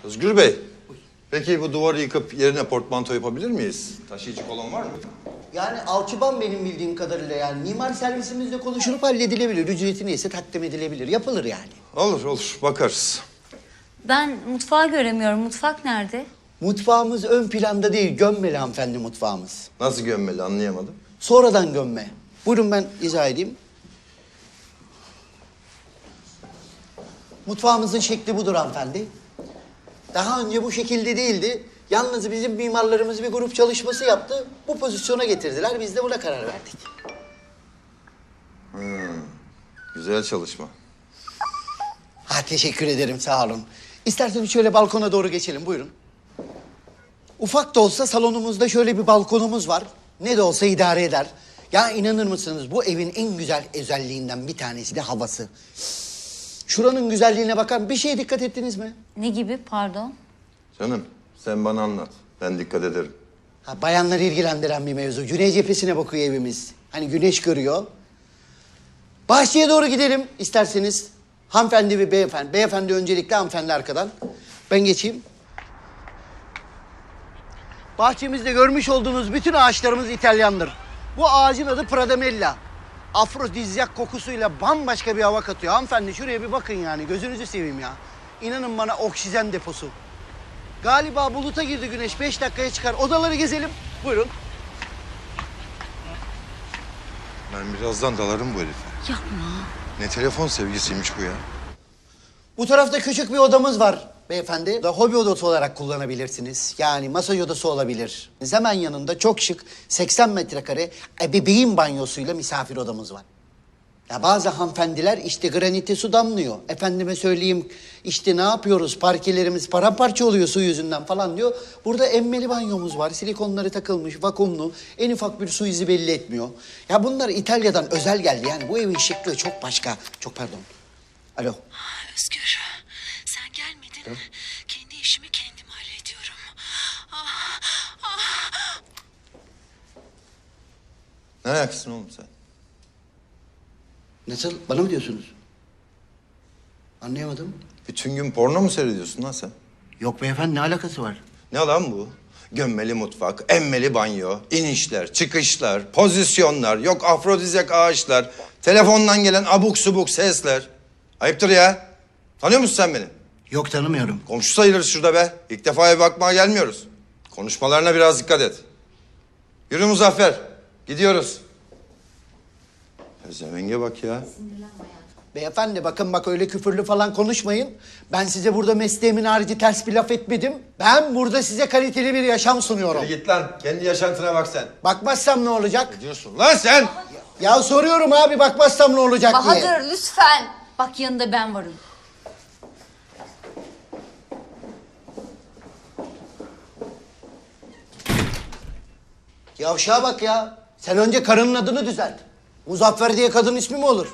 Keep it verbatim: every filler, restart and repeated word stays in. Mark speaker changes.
Speaker 1: Özgür Bey, peki bu duvarı yıkıp yerine portmanto yapabilir miyiz? Taşıyıcı kolon var mı?
Speaker 2: Yani alçıban benim bildiğim kadarıyla yani mimar servisimizle konuşulup halledilebilir. Ücreti neyse takdim edilebilir. Yapılır yani.
Speaker 1: Olur olur, bakarız.
Speaker 3: Ben mutfağı göremiyorum. Mutfak nerede?
Speaker 2: Mutfağımız ön planda değil, gömmeli hanımefendi mutfağımız.
Speaker 1: Nasıl gömmeli anlayamadım.
Speaker 2: Sonradan gömme. Buyurun ben izah edeyim. Mutfağımızın şekli budur hanımefendi. Daha önce bu şekilde değildi. Yalnız bizim mimarlarımız bir grup çalışması yaptı. Bu pozisyona getirdiler. Biz de buna karar verdik.
Speaker 1: Hmm, güzel çalışma.
Speaker 2: Ha teşekkür ederim sağ olun. İsterseniz şöyle balkona doğru geçelim buyurun. Ufak da olsa salonumuzda şöyle bir balkonumuz var. Ne de olsa idare eder. Ya inanır mısınız bu evin en güzel özelliğinden bir tanesi de havası. Şuranın güzelliğine bakar. Bir şeye dikkat ettiniz mi?
Speaker 3: Ne gibi pardon?
Speaker 1: Canım, sen bana anlat. Ben dikkat ederim.
Speaker 2: Ha, bayanları ilgilendiren bir mevzu. Güney cephesine bakıyor evimiz. Hani güneş görüyor. Bahçeye doğru gidelim isterseniz. Hanımefendi ve beyefendi. Beyefendi öncelikle, hanımefendi arkadan. Ben geçeyim. Bahçemizde görmüş olduğunuz bütün ağaçlarımız İtalyandır. Bu ağacın adı Pradamella. Afrodizyak kokusuyla bambaşka bir hava katıyor. Hanımefendi şuraya bir bakın yani. Gözünüzü seveyim ya. İnanın bana oksijen deposu. Galiba buluta girdi güneş. Beş dakikaya çıkar. Odaları gezelim. Buyurun.
Speaker 1: Ben birazdan dalarım bu herife.
Speaker 3: Yapma.
Speaker 1: Ne telefon sevgisiymiş bu ya.
Speaker 2: Bu tarafta küçük bir odamız var beyefendi. Da hobi odası olarak kullanabilirsiniz. Yani masaj odası olabilir. Hemen yanında çok şık seksen metrekare ebeveyn banyosuyla misafir odamız var. Ya bazı hanımefendiler işte granite su damlıyor. Efendime söyleyeyim işte ne yapıyoruz parkelerimiz paramparça oluyor su yüzünden falan diyor. Burada emmeli banyomuz var. Silikonları takılmış, vakumlu. En ufak bir su izi belli etmiyor. Ya bunlar İtalya'dan özel geldi. Yani bu evin şıklığı çok başka. Çok pardon. Alo.
Speaker 4: Özgür, sen gelmedin. Kendi işimi kendim hallediyorum. Ah, ah.
Speaker 1: Ne ayaksın oğlum sen?
Speaker 2: Nasıl? Bana mı diyorsunuz? Anlayamadım.
Speaker 1: Bütün gün porno mu seyrediyorsun lan sen?
Speaker 2: Yok beyefendi ne alakası var?
Speaker 1: Ne lan bu? Gömmeli mutfak, emmeli banyo, inişler, çıkışlar, pozisyonlar, yok afrodizyak ağaçlar, telefondan gelen abuk subuk sesler. Ayıptır ya. Tanıyor musun sen beni?
Speaker 2: Yok tanımıyorum.
Speaker 1: Komşu sayılırız şurada be. İlk defa eve bakmaya gelmiyoruz. Konuşmalarına biraz dikkat et. Yürü Muzaffer. Gidiyoruz. Pezevenge bak ya.
Speaker 2: Beyefendi bakın bak öyle küfürlü falan konuşmayın. Ben size burada mesleğimin harici ters bir laf etmedim. Ben burada size kaliteli bir yaşam sunuyorum.
Speaker 1: Hadi git lan. Kendi yaşantına bak sen.
Speaker 2: Bakmazsam ne olacak?
Speaker 1: Ne diyorsun lan sen?
Speaker 2: Ya soruyorum abi bakmazsam ne olacak diye.
Speaker 3: Bahadır lütfen. Bak yanında ben varım.
Speaker 2: Yavşağa bak ya. Sen önce karının adını düzelt. Muzaffer diye kadın ismi mi olur?